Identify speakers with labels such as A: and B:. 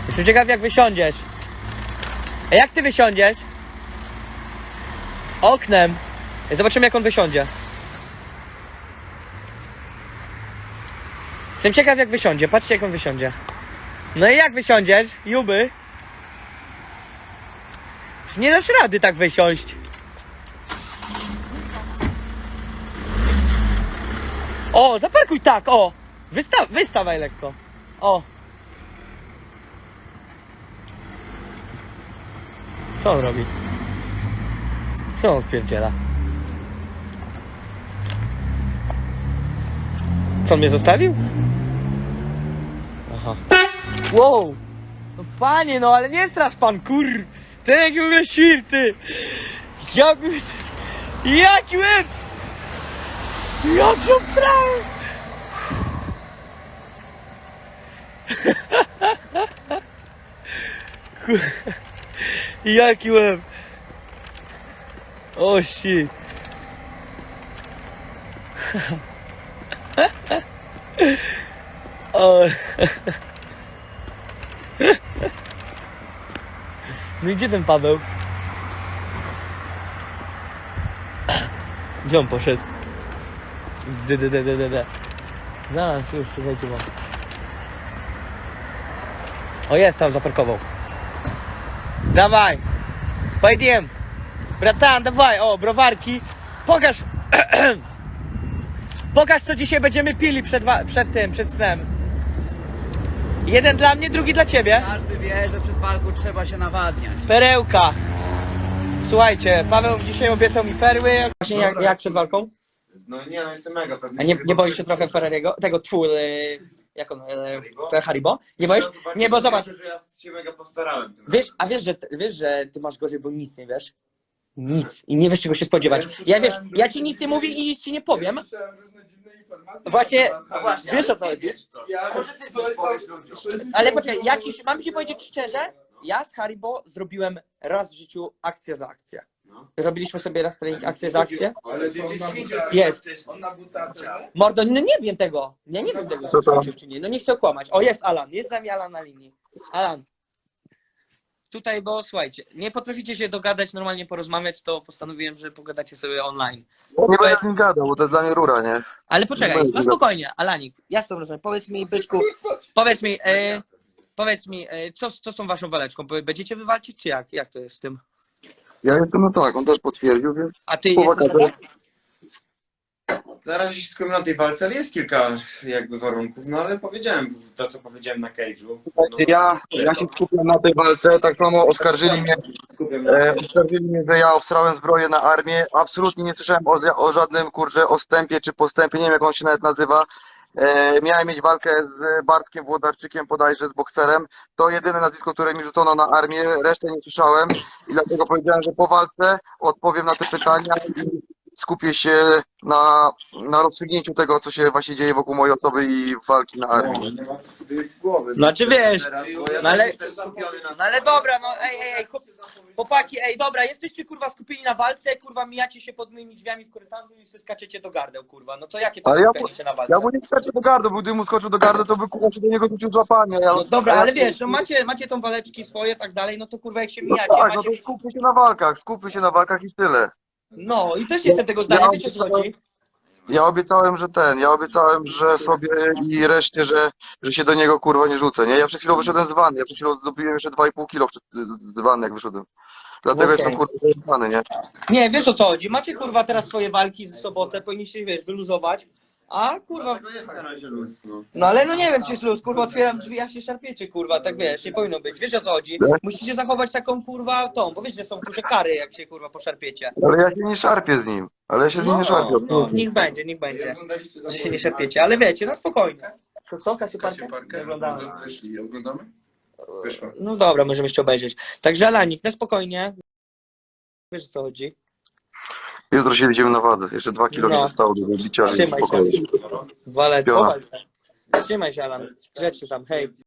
A: Jestem ciekaw, jak wysiądziesz. A jak ty wysiądziesz? Oknem. Zobaczymy, jak on wysiądzie. Jestem ciekaw, jak wysiądzie. Patrzcie, jak on wysiądzie. No i jak wysiądziesz, Juby? Już nie dasz rady tak wysiąść. O, zaparkuj tak, o. Wystawaj lekko. O. Co on robi? Co on wpierdziela? Co, on mnie zostawił? Aha. Wow! No panie, no ale nie strasz pan, kur... Ten jaki w ogóle świr, ty! Jaki łeb! Jak się obsrałem! Jaki łeb! O shit! O. No i gdzie ten Paweł? Gdzie on poszedł? Zaraz, już, słuchajcie wam. O, jest tam, zaparkował. Dawaj! Pojedziemy! Bratan, dawaj! O, browarki! Pokaż! Pokaż, co dzisiaj będziemy pili przed snem. Jeden dla mnie, drugi dla ciebie.
B: Każdy wie, że przed walką trzeba się nawadniać.
A: Perełka. Słuchajcie, Paweł dzisiaj obiecał mi perły. Właśnie jak przed walką?
C: No nie, no jestem mega pewny.
A: A nie boisz się trochę Ferrariego? Tego jak on? Haribo? Nie boisz? Nie, bo zobacz.
C: Że ja się mega postarałem.
A: Wiesz, że ty masz gorzej, bo nic nie wiesz? Nic. I nie wiesz, czego się spodziewać. Ja ci nic nie mówię i nic ci nie powiem. Właśnie, wiesz o co chodzi? Ale poczekaj, mam ci powiedzieć szczerze, ja z Haribo zrobiłem raz w życiu akcję za akcję. Robiliśmy sobie raz trening akcję za akcję. Jest.
D: On na WC.
A: Mordo, no nie wiem tego. Ja nie wiem tego, czy ćwiczył, czy nie. No nie chcę okłamać. O, jest Alan. Jest z nami Alan na linii. Alan. Tutaj, bo słuchajcie, nie potraficie się dogadać, normalnie porozmawiać, to postanowiłem, że pogadacie sobie online.
E: Nie będę z nim gadał, bo to jest dla mnie rura, nie?
A: Ale poczekaj, no spokojnie, Alanik, ja z tobą rozmawiam. Powiedz mi, byczku, powiedz mi, co z tą waszą waleczką? Będziecie wywalczyć, czy jak? Jak to jest z tym?
E: Ja jestem, no tak, on też potwierdził, więc...
A: A ty
E: Po
A: jesteś
E: wakacjach.
C: Na razie się skupiam na tej walce, ale jest kilka jakby warunków, no ale powiedziałem to, co powiedziałem na cage'u. No,
E: Ja się skupiam na tej walce, tak samo oskarżyli mnie, że ja obstrałem zbroję na armię. Absolutnie nie słyszałem o żadnym, kurczę, ostępie czy postępie, nie wiem jak on się nawet nazywa. Miałem mieć walkę z Bartkiem Włodarczykiem, bodajże z bokserem. To jedyne nazwisko, które mi rzucono na armię, resztę nie słyszałem i dlatego powiedziałem, że po walce odpowiem na te pytania i skupię się na rozstrzygnięciu tego, co się właśnie dzieje wokół mojej osoby i walki na armii.
C: nie ma co sobie głowy.
A: Znaczy wiesz,
C: Teraz, bo ja
A: no ale-
C: też jestem skupiony na
A: No ale dobra, no ej, chłopaki, dobra, jesteście kurwa skupieni na walce, kurwa mijacie się pod moimi drzwiami w korytarzu i sobie skaczecie do gardeł, kurwa, no to jakie to
E: Ale ja-
A: skupienie się na walce?
E: Ja mu nie skaczę do gardu, bo gdym mu skoczył do gardu, to by kurwa się do niego rzucił złapanie.
A: No dobra, ale wiesz, no macie tą waleczki swoje, tak dalej, no to kurwa jak się mijacie,
E: Tak, no
A: macie...
E: to skupmy się na walkach i tyle.
A: No i też jestem tego zdania, wiecie o co chodzi?
E: Ja obiecałem, że sobie i reszcie, że się do niego kurwa nie rzucę, nie? Ja przed chwilą wyszedłem z wanny, ja przed chwilą zdobyłem jeszcze 2,5 kilo z wanny jak wyszedłem. Dlatego
A: Okej.
E: jestem kurwa zajebany, nie?
A: Nie, wiesz o co chodzi, macie kurwa teraz swoje walki z sobotę, powinniście, wiesz, wyluzować, a kurwa...
C: Dlatego jest na razie luz, no.
A: No ale no nie wiem, czy jest luz, kurwa, otwieram drzwi, a się szarpiecie, kurwa, tak wiesz, nie powinno być, wiesz o co chodzi? Musicie zachować taką, kurwa, bo wiesz, że są duże kary, jak się, kurwa, poszarpiecie.
E: Ale ja się nie szarpię z nim. Ale ja się z nim nie szarpię.
A: No, niech będzie, że się nie szarpiecie, ale wiecie, no spokojnie. To co, Kasieparkę? Nie oglądamy.
D: Wyszli, oglądamy? Wyszła.
A: No dobra, możemy jeszcze obejrzeć. Także Alanik, na spokojnie, wiesz o co chodzi.
E: Jutro się widzimy na wadze. Jeszcze 2 kilo mi
A: No.
E: zostało do wybicia, więc
A: Trzymaj się.
E: spokojnie.
A: Walę,
E: Piona.
A: powal się. Trzymaj się, Alan, grzecznie tam, hej.